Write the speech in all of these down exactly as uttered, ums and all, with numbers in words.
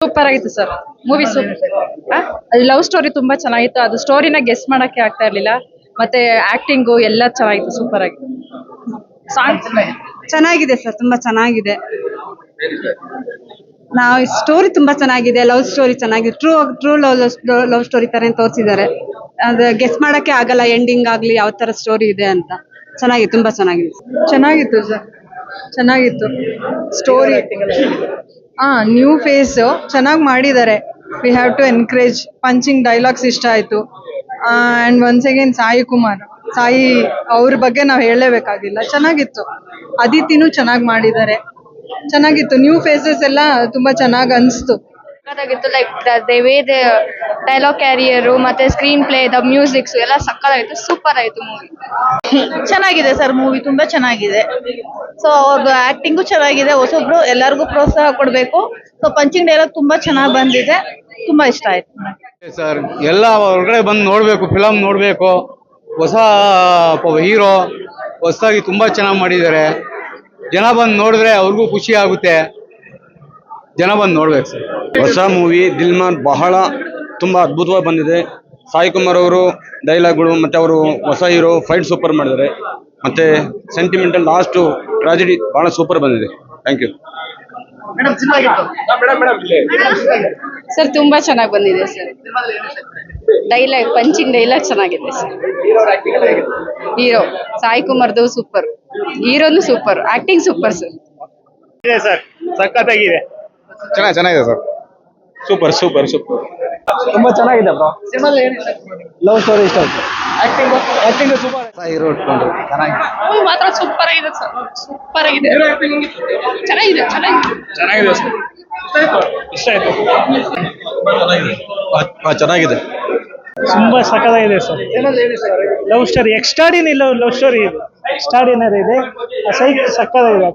Super ಆಗಿತ್ತು sir movie. Super love story ತುಂಬಾ ಚೆನ್ನಾಗಿತ್ತು. ಅದು ಸ್ಟೋರಿನ ಗೆಸ್ ಮಾಡಕ್ಕೆ ಆಗ್ತಾ ಇರ್ಲಿಲ್ಲ. ಮತ್ತೆ ಆಕ್ಟಿಂಗು ಎಲ್ಲ ಚೆನ್ನಾಗಿತ್ತು. ಸೂಪರ್ ಆಗಿತ್ತು. ಸಾಂಗ್ಸ್ ಚೆನ್ನಾಗಿದೆ ಸರ್, ತುಂಬಾ ಚೆನ್ನಾಗಿದೆ. ನಾವು ಸ್ಟೋರಿ ತುಂಬಾ ಚೆನ್ನಾಗಿದೆ, ಲವ್ ಸ್ಟೋರಿ ಚೆನ್ನಾಗಿದೆ. True true love love story ತರ ತೋರಿಸಿದ್ದಾರೆ. ಅದು ಗೆಸ್ ಮಾಡಕ್ಕೆ ಆಗಲ್ಲ ಎಂಡಿಂಗ್ ಆಗ್ಲಿ ಯಾವ ತರ ಸ್ಟೋರಿ ಇದೆ ಅಂತ. ಚೆನ್ನಾಗಿದೆ, ತುಂಬಾ ಚೆನ್ನಾಗಿದೆ. ಚೆನ್ನಾಗಿತ್ತು ಸರ್, ಚೆನ್ನಾಗಿತ್ತು ಸ್ಟೋರಿ. ಹಾ, ನ್ಯೂ ಫೇಸ್ ಚೆನ್ನಾಗಿ ಮಾಡಿದ್ದಾರೆ. We have to encourage. Punching dialogues ಇಷ್ಟ ಆಯ್ತು. And once again Sai Kumar, Sai ಅವ್ರ ಬಗ್ಗೆ ನಾವು ಹೇಳಲೇಬೇಕಾಗಿಲ್ಲ. ಚೆನ್ನಾಗಿತ್ತು. ಅದಿತಿನೂ ಚೆನ್ನಾಗಿ ಮಾಡಿದ್ದಾರೆ. ಚೆನ್ನಾಗಿತ್ತು. ನ್ಯೂ ಫೇಸಸ್ ಎಲ್ಲ ತುಂಬಾ ಚೆನ್ನಾಗಿ ಅನಿಸ್ತು. ಸಕ್ಕತ್ತಾಗಿತ್ತು. Like the way the dialogue carrier ಮತ್ತೆ ಸ್ಕ್ರೀನ್ ಪ್ಲೇ, ದ ಮ್ಯೂಸಿಕ್ಸ್ ಎಲ್ಲ ಸಕ್ಕತ್ತಾಗಿತ್ತು. ಸೂಪರ್ ಆಯ್ತು ಮೂವಿ. ಚೆನ್ನಾಗಿದೆ ಸರ್, ಮೂವಿ ತುಂಬಾ ಚೆನ್ನಾಗಿದೆ. ಸೊ ಅವ್ರದ್ದು ಆಕ್ಟಿಂಗು ಚೆನ್ನಾಗಿದೆ. ಹೊಸೊಬ್ರು ಎಲ್ಲರಿಗೂ ಪ್ರೋತ್ಸಾಹ ಕೊಡಬೇಕು. ಸೊ ಪಂಚಿಂಗ್ ಡೈಲಾಗ್ ತುಂಬಾ ಚೆನ್ನಾಗಿ ಬಂದಿದೆ. ತುಂಬಾ ಇಷ್ಟ ಆಯ್ತು ಸರ್. ಎಲ್ಲ ಹೊರಗಡೆ ಬಂದು ನೋಡ್ಬೇಕು, ಫಿಲಮ್ ನೋಡ್ಬೇಕು. ಹೊಸ ಹೀರೋ ಹೊಸದಾಗಿ ತುಂಬಾ ಚೆನ್ನಾಗಿ ಮಾಡಿದ್ದಾರೆ. ಜನ ಬಂದು ನೋಡಿದ್ರೆ ಅವ್ರಿಗೂ ಖುಷಿ ಆಗುತ್ತೆ. ಜನ ಬಂದು ನೋಡ್ಬೇಕು ಸರ್. ಹೊಸ ಮೂವಿ ದಿಲ್ಮಾನ್ ಬಹಳ ತುಂಬಾ ಅದ್ಭುತವಾಗಿ ಬಂದಿದೆ. ಸಾಯಿ ಕುಮಾರ್ ಅವರು ಡೈಲಾಗ್ಗಳು ಮತ್ತೆ ಅವರು ಹೊಸ ಹೀರೋ ಫೈಟ್ ಸೂಪರ್ ಮಾಡಿದ್ದಾರೆ. ಮತ್ತೆ ಸೆಂಟಿಮೆಂಟಲ್ ಲಾಸ್ಟ್ ಟ್ರಾಜಿಡಿ ಬಹಳ ಸೂಪರ್ ಬಂದಿದೆ. Thank you sir. ತುಂಬಾ ಚೆನ್ನಾಗಿ ಬಂದಿದೆ ಸರ್. ಡೈಲಾಗ್, ಪಂಚಿಂಗ್ ಡೈಲಾಗ್ ಚೆನ್ನಾಗಿದೆ ಸರ್. ಹೀರೋ ಸಾಯಿ ಕುಮಾರ್ದು ಸೂಪರ್, ಹೀರೋನು ಸೂಪರ್, ಆಕ್ಟಿಂಗ್ ಸೂಪರ್ ಸರ್. ಇದೆ ಸರ್, ಸಖತ್ತಾಗಿದೆ. ಚೆನ್ನಾಗಿ ಚೆನ್ನಾಗಿದೆ ಸರ್. Super super super. ತುಂಬಾ ಚೆನ್ನಾಗಿದೆ ಬ್ರೋ. ಲವ್ ಸ್ಟೋರಿ ಇಷ್ಟ ಆಯ್ತು. Acting acting super. ಹೀರೋ ಇಟ್ಕೊಂಡು ಚೆನ್ನಾಗಿದೆ. ಮೂವಿ ಮಾತ್ರ ಸೂಪರ್ ಆಗಿದೆ ಸರ್. ಸೂಪರ್ ಆಗಿದೆ. ಚೆನ್ನಾಗಿದೆ ಚೆನ್ನಾಗಿದೆ ಚೆನ್ನಾಗಿದೆ ಸರ್. ಇಷ್ಟ ಆಯ್ತು. ಚೆನ್ನಾಗಿದೆ. ತುಂಬಾ ಸಖತ್ತಾಗಿದೆ sir. Love story extraordinary love love story ಇದೆ. ಎಕ್ಸ್ಟ್ರಾಡಿನರಿ ಇದೆ. ಸೈಕ್ ಸಖತ್ತಾಗಿದೆ.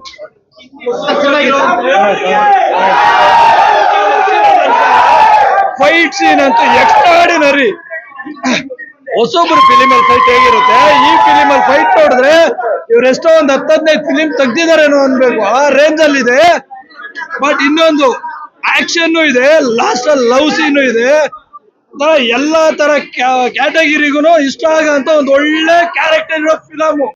ಫೈಟ್ ಸೀನ್ ಅಂತೂ ಎಕ್ಸ್ಟ್ರಾಡಿನರಿ. ಹೊಸೊಬ್ರು ಫಿಲಿಮ್ ಅಲ್ಲಿ ಫೈಟ್ ಹೇಗಿರುತ್ತೆ, ಈ ಫಿಲಿಮ್ ಅಲ್ಲಿ ಫೈಟ್ ನೋಡಿದ್ರೆ ಇವರೆಷ್ಟೋ ಒಂದು ಹತ್ತು ಹದಿನೈದು ಫಿಲಿಮ್ ತೆಗ್ದಿದಾರೇನೋ ಅನ್ಬೇಕು, ಆ ರೇಂಜ್ ಅಲ್ಲಿ ಇದೆ. ಬಟ್ ಇನ್ನೊಂದು ಆಕ್ಷನ್ ಇದೆ, ಲಾಸ್ಟ್ ಅಲ್ಲಿ ಲವ್ ಸೀನು ಇದೆ. ಎಲ್ಲಾ ತರ ಕ್ಯಾಟಗಿರಿಗೂ ಇಷ್ಟ ಆಗಂತ ಒಂದು ಒಳ್ಳೆ ಕ್ಯಾರೆಕ್ಟರ್ ಇರೋ ಫಿಲಮ್.